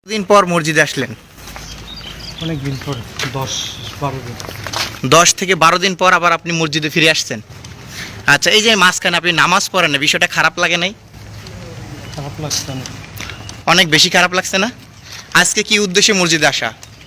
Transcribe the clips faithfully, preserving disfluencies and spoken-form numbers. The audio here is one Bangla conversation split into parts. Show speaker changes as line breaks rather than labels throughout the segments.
দিন পর মসজিদে আসলেন?
অনেক দিন পর, দশ বারো দিন।
দশ থেকে বারো দিন পর আবার আপনি মসজিদে ফিরে আসছেন। আচ্ছা, এই যে মাঝখানে আপনি নামাজ পড়েন না, বিষয়টা খারাপ লাগে নাই?
খারাপ লাগছে অনেক।
অনেক বেশি খারাপ লাগছে না? আজকে কি উদ্দেশ্যে মসজিদে আসা?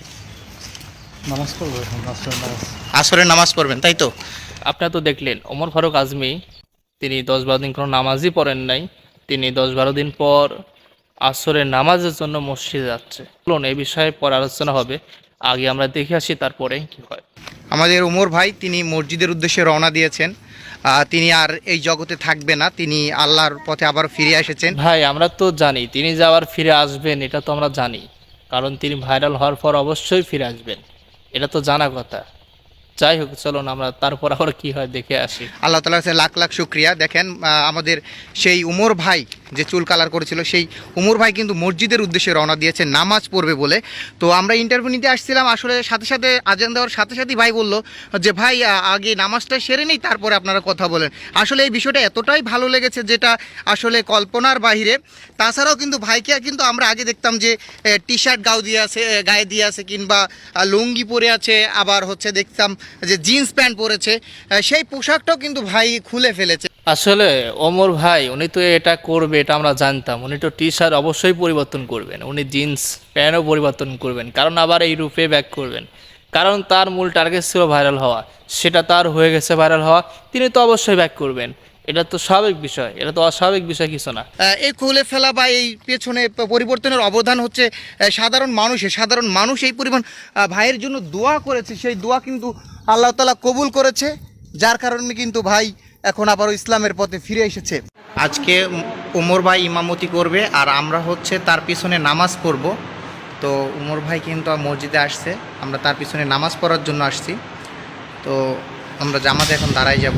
নামাজ পড়বো এখন, আসরের নামাজ।
আসরের নামাজ পড়বেন, তাই তো?
আপনারা তো দেখলেন ওমর ফারুক আজমি তিনি দশ বারো দিন কোনো নামাজই পড়েন নাই। তিনি দশ বারো দিন পর আসরের নামাজের জন্য মসজিদে যাচ্ছে। বলুন, এই বিষয়ে পরে আলোচনা হবে, আগে আমরা দেখে আসি তারপরে কি হয়।
আমাদের ওমর ভাই তিনি মসজিদের উদ্দেশ্যে রওনা দিয়েছেন। আহ, তিনি আর এই জগতে থাকবে না, তিনি আল্লাহর পথে আবার ফিরে এসেছেন।
ভাই, আমরা তো জানি তিনি যাওয়ার ফিরে আসবেন, এটা তো আমরা জানি, কারণ তিনি ভাইরাল হওয়ার পর অবশ্যই ফিরে আসবেন, এটা তো জানা কথা। যাই হোক, চলুন আমরা তারপর আবার কি হয় দেখে আসি।
আল্লাহ তাআলার কাছে লাখ লাখ শুক্রিয়া। দেখেন, আহ, আমাদের সেই উমর ভাই যে চুল কালার করেছিল, সেই উমর ভাই কিন্তু মসজিদের উদ্দেশ্যে রওনা দিয়েছে নামাজ পড়বে বলে। তো আমরা ইন্টারভিউ নিতে আসছিলাম, আসলে সাথে সাথে আজান দেওয়ার সাথে সাথেই ভাই বলল যে ভাই আহ, আগে নামাজটা সেরে নেই, তারপরে আপনারা কথা বলেন। আসলে এই বিষয়টা এতটাই ভালো লেগেছে যেটা আসলে কল্পনার বাহিরে। তাছাড়াও কিন্তু ভাইকে কিন্তু আমরা আগে দেখতাম যে টি শার্ট গাও দিয়ে আছে, এ, গায়ে দিয়ে আছে, কিংবা আহ, লুঙ্গি পরে আছে, আবার হচ্ছে দেখতাম যে জিন্স প্যান্ট পরেছে। আহ, সেই পোশাকটাও কিন্তু ভাই খুলে ফেলেছে।
আসলে ওমর ভাই উনি তো এটা করবে, এটা আমরা জানতাম। উনি তো টি শার্ট অবশ্যই পরিবর্তন করবেন, উনি জিন্স প্যান্টও পরিবর্তন করবেন, কারণ আবার এই রূপে ব্যাক করবেন, কারণ তার মূল টার্গেট ছিল ভাইরাল হওয়া, সেটা তার হয়ে গেছে ভাইরাল হওয়া, তিনি তো অবশ্যই ব্যাক করবেন। এটা তো স্বাভাবিক বিষয়, এটা তো অস্বাভাবিক বিষয় কিছু না।
আহ, এই খুলে ফেলা বা এই পেছনে প- পরিবর্তনের অবদান হচ্ছে আহ, সাধারণ মানুষের। সাধারণ মানুষ এই পরিমাণ আহ, ভাইয়ের জন্য দোয়া করেছে, সেই দোয়া কিন্তু আল্লাহ তাআলা কবুল করেছে, যার কারণে কিন্তু ভাই এখন আবারও ইসলামের পথে ফিরে এসেছে। আজকে উমর ভাই ইমামতি করবে আর আমরা হচ্ছে তার পিছনে নামাজ পড়ব। তো উমর ভাই কিন্তু মসজিদে আসছে, আমরা তার পিছনে নামাজ পড়ার জন্য আসছি। তো আমরা জামাতে এখন দাঁড়াই যাব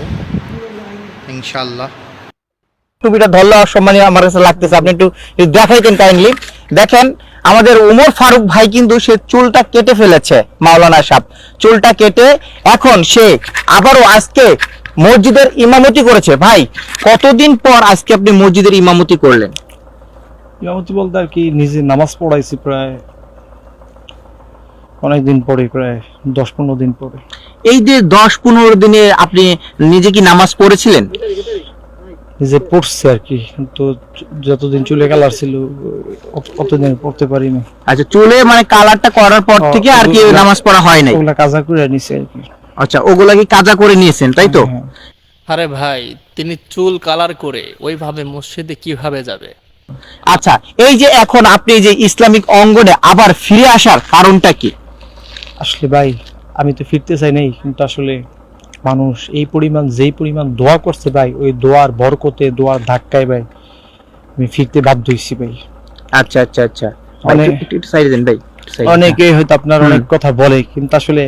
ইনশাআল্লাহ।
টুপিটা ধরলে অসম্মানীয় আমার কাছে লাগতেছে, আপনি একটু একটু দেখাইতেন কাইন্ডলি। দেখেন, আমাদের উমর ফারুক ভাই কিন্তু সে চুলটা কেটে ফেলেছে, মাওলানা সাহেব চুলটা কেটে এখন সে আবারও আজকে মসজিদের ইমামতি করেছে। ভাই, কতদিন পর আজকে আপনি মসজিদের ইমামতি করলেন?
ইমামতি বলতে আর কি, নিজে নামাজ পড়াইছি প্রায় অনেকদিন পরে, প্রায় দশ পনেরো দিন পরে।
এই যে দশ পনেরো দিনে আপনি নিজে কি নামাজ পড়েছিলেন?
নিজে পড়ছে আর কি, কিন্তু যতদিন চুলে কালার ছিল অত- অতদিন পড়তে পারিনি।
আচ্ছা, চুলে মানে কালারটা করার পর থেকে আর কি নামাজ পড়া হয় নাই?
ওগুলা কাজা করে নিছে আর কি।
আচ্ছা, ওগুলা কি কাজা করে নিয়েছেন, তাই তো?
হ্যাঁ।
আরে ভাই, তিনি চুল কালার করে ওইভাবে মসজিদে কিভাবে যাবে?
আচ্ছা, এই যে এখন আপনি যে ইসলামিক অঙ্গনে আবার ফিরে আসার কারণটা কি?
আসলে ভাই, আমি তো ফিরতে চাই নাই, কিন্তু আসলে মানুষ এই পরিমাণ, যেই পরিমাণ দোয়া করছে ভাই, ওই দোয়ার বরকতে, দোয়ার ধাক্কায় ভাই আমি ফিরতে বাধ্য হইছি ভাই।
আচ্ছা আচ্ছা আচ্ছা,
অনেক-
একটু- একটু- একটু সাইড দেন ভাই, একটু side দেন।
অনেকে হয়তো আপনার অনেক কথা বলে, কিন্তু আসলে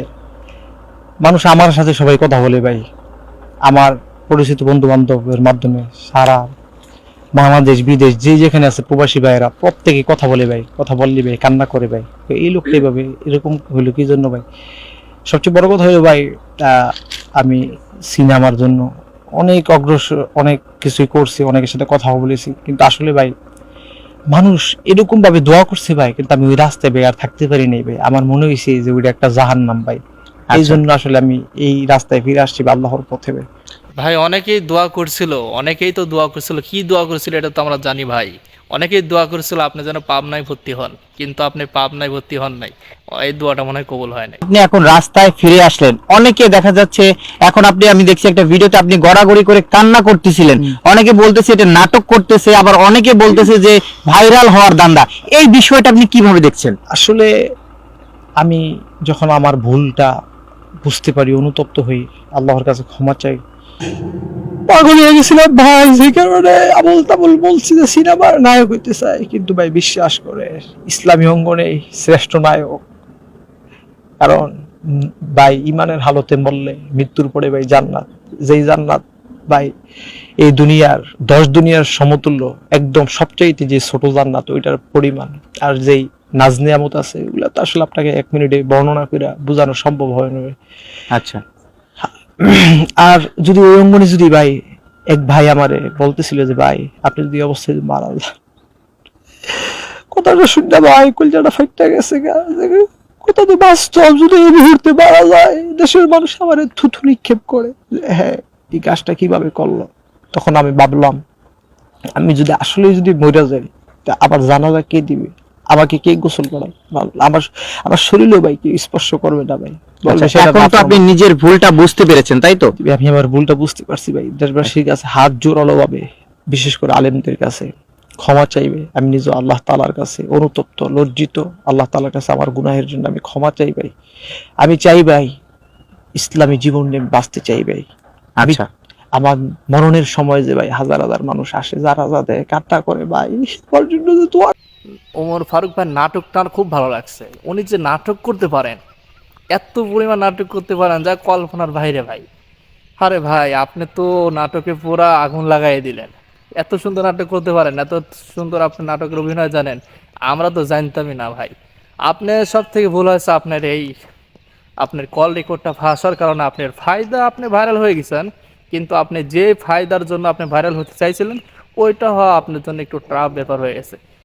মানুষ আমার সাথে সবাই কথা বলে ভাই, আমার পরিচিত বন্ধু বান্ধবের মাধ্যমে সারা বাংলাদেশ বিদেশ যে যেখানে আছে প্রবাসী ভাইয়েরা প্রত্যেকে কথা বলে ভাই, কথা বললি ভাই কান্না করে ভাই, তো এই লোকটা এইভাবে এরকম হইলো কি জন্য ভাই? সবচেয়ে বড় কথা হলো ভাই, আহ, আমি সিনেমার জন্য অনেক অগ্রসর, অনেক কিছুই করছি, অনেকের সাথে কথা বলেছি, কিন্তু আসলে ভাই মানুষ এরকম ভাবে দোয়া করছে ভাই, কিন্তু আমি ওই রাস্তায় ভাই আর থাকতে পারি নাই ভাই। আমার মনে হয়েছে যে ওইটা একটা জাহান্নাম ভাই, এই জন্য আসলে আমি এই রাস্তায় ফিরে আসছি বা আল্লাহর পথে ভাই।
ভাই, অনেকেই দোয়া করছিল, অনেকেই তো দোয়া করছিল, কি দোয়া করছিল এটা তো আমরা জানি ভাই। অনেকেই দোয়া করছিল আপনি যেন পাবনায় ভর্তি হন, কিন্তু আপনি পাবনায় ভর্তি হন নাই, এই দোয়াটা মনে হয় কবুল হয় নাই।
আপনি এখন রাস্তায় ফিরে আসলেন, অনেকে দেখা যাচ্ছে এখন আপনি, আমি দেখছি একটা ভিডিওতে আপনি গড়াগড়ি করে কান্না করতেছিলেন, অনেকে বলতেছে এটা নাটক করতেছে, আবার অনেকে বলতেছে যে ভাইরাল হওয়ার দান্দা। এই বিষয়টা আপনি কিভাবে দেখছেন?
আসলে আমি যখন আমার ভুলটা বুঝতে পারি, অনুতপ্ত হই, আল্লাহর কাছে ক্ষমা চাই। পাগল হয়ে গেছিলাম ভাই, সেই কারণে আবল তাবল বলছি যে সিনেমার নায়ক হইতে চাই, কিন্তু ভাই বিশ্বাস করে ইসলামী অঙ্গনে শ্রেষ্ঠ নায়ক। কারণ উম, ভাই ইমানের হালতে মরলে মৃত্যুর পরে ভাই জান্নাত, যেই জান্নাত ভাই এই দুনিয়ার দশ দুনিয়ার সমতুল্য, একদম সবচাইতে যে ছোট জান্নাত ওইটার পরিমাণ, আর যেই নাজ নিয়ামত আছে এগুলা তো আসলে আপনাকে এক মিনিটে বর্ণনা করে বোঝানো সম্ভব হয় না ভাই।
আচ্ছা,
আর যদি ওই অঙ্গনে যদি ভাই এক ভাই আমারে বলতেছিল যে ভাই আপনি যদি এই অবস্থায় মারা যান, কথাটা শুনতে ভাই কলজাটা ফাইটটা গেছে গা। কথা তো বাস্তব, যদি এই মুহূর্তে মারা যায় দেশের মানুষ আমার থুথু নিক্ষেপ করে যে হ্যাঁ এই কাজটা কিভাবে করলো। তখন আমি ভাবলাম আমি যদি আসলে যদি মরে যাই তা আবার জানাজা কে দিবে, আমাকে কে গোসল করাবে, আমার আমার শরীরও ভাই কি স্পর্শ করবে না ভাই। বলবে
আচ্ছা,
সেটা
এখন তো
ভাবলাম।
আপনি নিজের ভুলটা বুঝতে পেরেছেন তাই তো?
আমি আমার ভুলটা বুঝতে পারছি ভাই, দেশবাসীর কাছে হাত জোরালো ভাবে, বিশেষ করে আলেমদের কাছে ক্ষমা চাইবে। আমি নিজ আল্লাহ তাআলার কাছে অনুতপ্ত, লজ্জিত, আল্লাহ তাআলার কাছে আমার গুনাহের জন্য আমি ক্ষমা চাই ভাই। আমি চাই ভাই ইসলামী জীবন নিয়ে বাঁচতে চাই ভাই। আমি
আচ্ছা,
আমার মরণের সময় যে ভাই হাজার হাজার মানুষ আসে, যারা যাতে কান্না করে ভাই ওর জন্য যে দোয়া।
ওমর ফারুক ভাই নাটকটা আমার খুব ভালো লাগছে। উনি যে নাটক করতে পারেন, এত পরিমাণ নাটক করতে পারেন যা কল্পনার বাইরে ভাই। আরে ভাই আপনি তো নাটকে পুরা আগুন লাগাই দিলেন। এত সুন্দর নাটক করতে পারেন, এত সুন্দর আপনি নাটকের অভিনয় জানেন, আমরা তো জানতামই না ভাই। আপনার সব থেকে ভুল হয়েছে আপনার এই আপনার কল রেকর্ডটা ফাঁসার কারণে আপনার ফায়দা, আপনি ভাইরাল হয়ে গেছেন, কিন্তু আপনি যে ফায়দার জন্য আপনি ভাইরাল হতে চাইছিলেন ওইটা হওয়া আপনার জন্য একটু ট্রাফ ব্যাপার হয়ে গেছে।